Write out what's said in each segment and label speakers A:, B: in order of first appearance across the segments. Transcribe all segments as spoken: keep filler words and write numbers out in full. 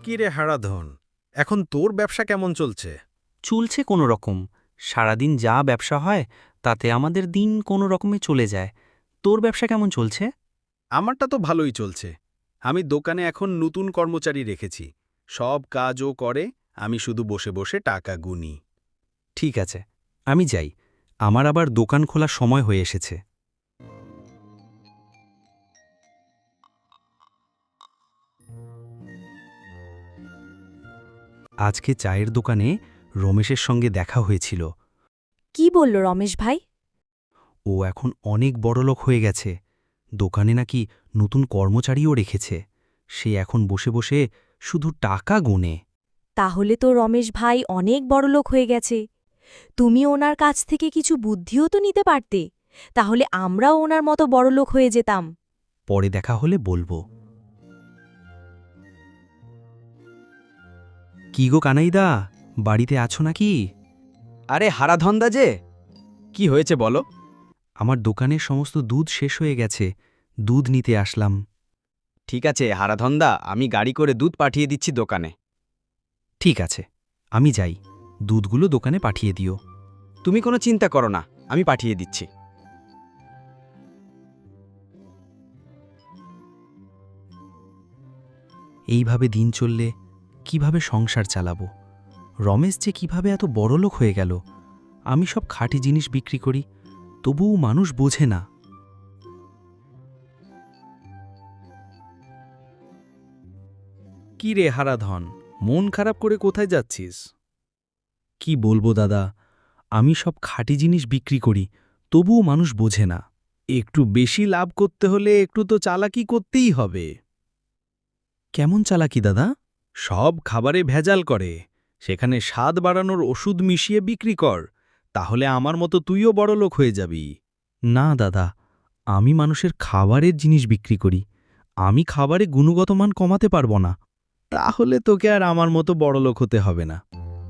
A: কি রে হারাধন, এখন তোর ব্যবসা কেমন চলছে?
B: চলছে কোনো রকম। সারাদিন যা ব্যবসা হয় তাতে আমাদের দিন কোনো রকমে চলে যায়। তোর ব্যবসা কেমন চলছে?
A: আমারটা তো ভালোই চলছে। আমি দোকানে এখন নতুন কর্মচারী রেখেছি। সব কাজও করে, আমি শুধু বসে বসে টাকা গুনি।
B: ঠিক আছে, আমি যাই। আমার আবার দোকান খোলার সময় হয়ে এসেছে। আজকে চায়ের দোকানে রমেশের সঙ্গে দেখা হয়েছিল।
C: কি বলল রমেশ ভাই?
B: ও এখন অনেক বড়লোক হয়ে গেছে। দোকানে নাকি নতুন কর্মচারীও রেখেছে। সে এখন বসে বসে শুধু টাকা গুনে।
C: তাহলে তো রমেশ ভাই অনেক বড়লোক হয়ে গেছে। তুমি ওনার কাছ থেকে কিছু বুদ্ধিও তো নিতে পারতে, তাহলে আমরাও ওনার মতো বড়লোক হয়ে যেতাম।
B: পরে দেখা হলে বলবো। কি গো কানাইদা, বাড়িতে আছো নাকি?
D: আরে হারাধন্দা যে, কি হয়েছে বলো?
B: আমার দোকানের সমস্ত দুধ শেষ হয়ে গেছে, দুধ নিতে আসলাম।
D: ঠিক আছে হারাধন্দা, আমি গাড়ি করে দুধ পাঠিয়ে দিচ্ছি দোকানে।
B: ঠিক আছে, আমি যাই। দুধগুলো দোকানে পাঠিয়ে দিও।
D: তুমি কোনো চিন্তা করো না, আমি পাঠিয়ে দিচ্ছি।
B: এইভাবে দিন চললে কিভাবে সংসার চালাবো? রমেশ যে কিভাবে এত বড়লোক হয়ে গেল। আমি সব খাঁটি জিনিস বিক্রি করি, তবুও মানুষ বোঝে না।
A: কি রে হারাধন, মন খারাপ করে কোথায় যাচ্ছিস?
B: কি বলবো দাদা, আমি সব খাঁটি জিনিস বিক্রি করি, তবুও মানুষ বোঝে না।
A: একটু বেশি লাভ করতে হলে একটু তো চালাকি করতেই হবে।
B: কেমন চালাকি দাদা?
A: সব খাবারে ভেজাল করে, সেখানে স্বাদ বাড়ানোর ওষুধ মিশিয়ে বিক্রি কর, তাহলে আমার মতো তুইও বড়লোক হয়ে যাবি।
B: না দাদা, আমি মানুষের খাবারের জিনিস বিক্রি করি। আমি খাবারে গুণগত মান কমাতে পারবো না।
A: তাহলে তোকে আর আমার মতো বড়লোক হতে হবে না।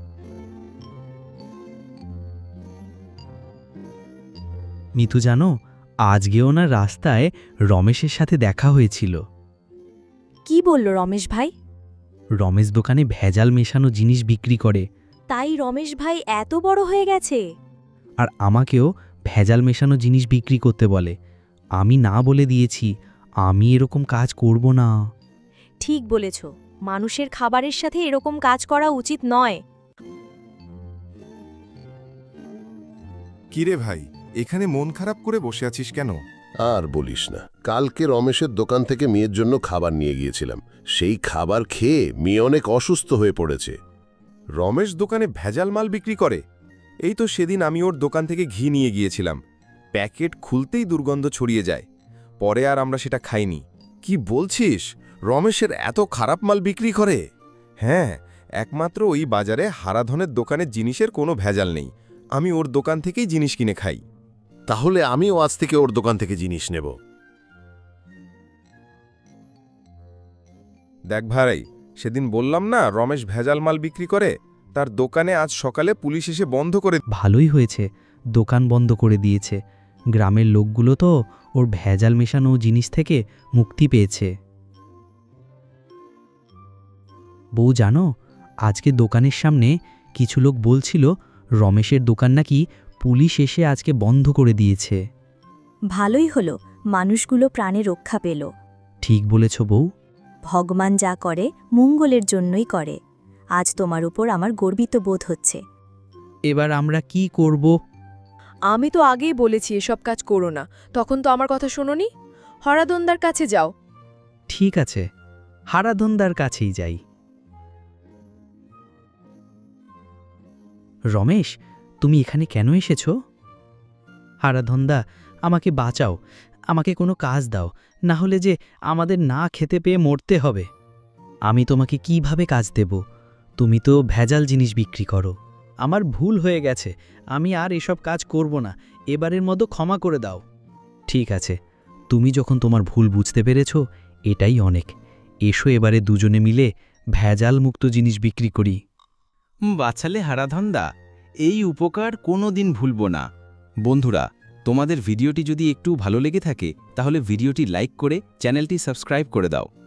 B: মিতু জানো, আজকেও না রাস্তায় রমেশের সাথে দেখা হয়েছিল।
C: কি বলল রমেশ ভাই?
B: রমেশ দোকানে ভেজাল মেশানো জিনিস বিক্রি করে,
C: তাই রমেশ ভাই এত বড় হয়ে গেছে?
B: আর আমাকেও ভেজাল মেশানো জিনিস বিক্রি করতে বলে। আমি না বলে দিয়েছি, আমি এরকম কাজ করব না।
C: ঠিক বলেছ, মানুষের খাবারের সাথে এরকম কাজ করা উচিত নয়।
E: কিরে ভাই, এখানে মন খারাপ করে বসে আছিস কেন?
F: আর বলিস না, কালকে রমেশের দোকান থেকে মেয়ের জন্য খাবার নিয়ে গিয়েছিলাম। সেই খাবার খেয়ে মেয়ে অনেক অসুস্থ হয়ে পড়েছে।
E: রমেশ দোকানে ভেজাল মাল বিক্রি করে? এই তো সেদিন আমি ওর দোকান থেকে ঘি নিয়ে গিয়েছিলাম, প্যাকেট খুলতেই দুর্গন্ধ ছড়িয়ে যায়। পরে আর আমরা সেটা খাইনি। কি বলছিস, রমেশের এত খারাপ মাল বিক্রি করে? হ্যাঁ, একমাত্র ওই বাজারে হারাধনের দোকানের জিনিসের কোনো ভেজাল নেই। আমি ওর দোকান থেকেই জিনিস কিনে খাই।
F: তাহলে আমিও আজ থেকে ওর দোকান থেকে জিনিস নেব।
E: দেখ ভাই, সেদিন বললাম না রমেশ ভেজাল মাল বিক্রি করে, তার দোকানে আজ সকালে পুলিশ এসে বন্ধ করে।
B: ভালোই হয়েছে, দোকান বন্ধ করে দিয়েছে। গ্রামের লোকগুলো তো ওর ভেজাল মেশানো জিনিস থেকে মুক্তি পেয়েছে। বউ জানো, আজকে দোকানের সামনে কিছু লোক বলছিল রমেশের দোকান নাকি পুলিশ এসে আজকে বন্ধ করে দিয়েছে।
C: ভালোই হলো, মানুষগুলো প্রাণে রক্ষা পেল।
B: ঠিক বলেছ বউ।
C: ভগবান যা করে মঙ্গলের জন্যই করে। আজ তোমার উপর আমার গর্বিত বোধ হচ্ছে।
B: এবার আমরা কি করব?
G: আমি তো আগেই বলেছি এসব কাজ করো না, তখন তো আমার কথা শোনোনি। হরাদন্দার কাছে যাও।
B: ঠিক আছে, হারাধন্দার কাছেই যাই। রমেশ, তুমি এখানে কেন এসেছ? হারাধন্দা, আমাকে বাঁচাও, আমাকে কোনো কাজ দাও, না হলে যে আমাদের না খেতে পেয়ে মরতে হবে। আমি তোমাকে কিভাবে কাজ দেব? তুমি তো ভেজাল জিনিস বিক্রি করো। আমার ভুল হয়ে গেছে, আমি আর এসব কাজ করব না, এবারের মতো ক্ষমা করে দাও। ঠিক আছে, তুমি যখন তোমার ভুল বুঝতে পেরেছ, এটাই অনেক। এসো এবারে দুজনে মিলে ভেজাল মুক্ত জিনিস বিক্রি করি।
H: বাঁচালে হারাধন্দা, এই উপকার কোনো দিন ভুলব না। বন্ধুরা, তোমাদের ভিডিওটি যদি একটু ভালো লেগে থাকে তাহলে ভিডিওটি লাইক করে চ্যানেলটি সাবস্ক্রাইব করে দাও।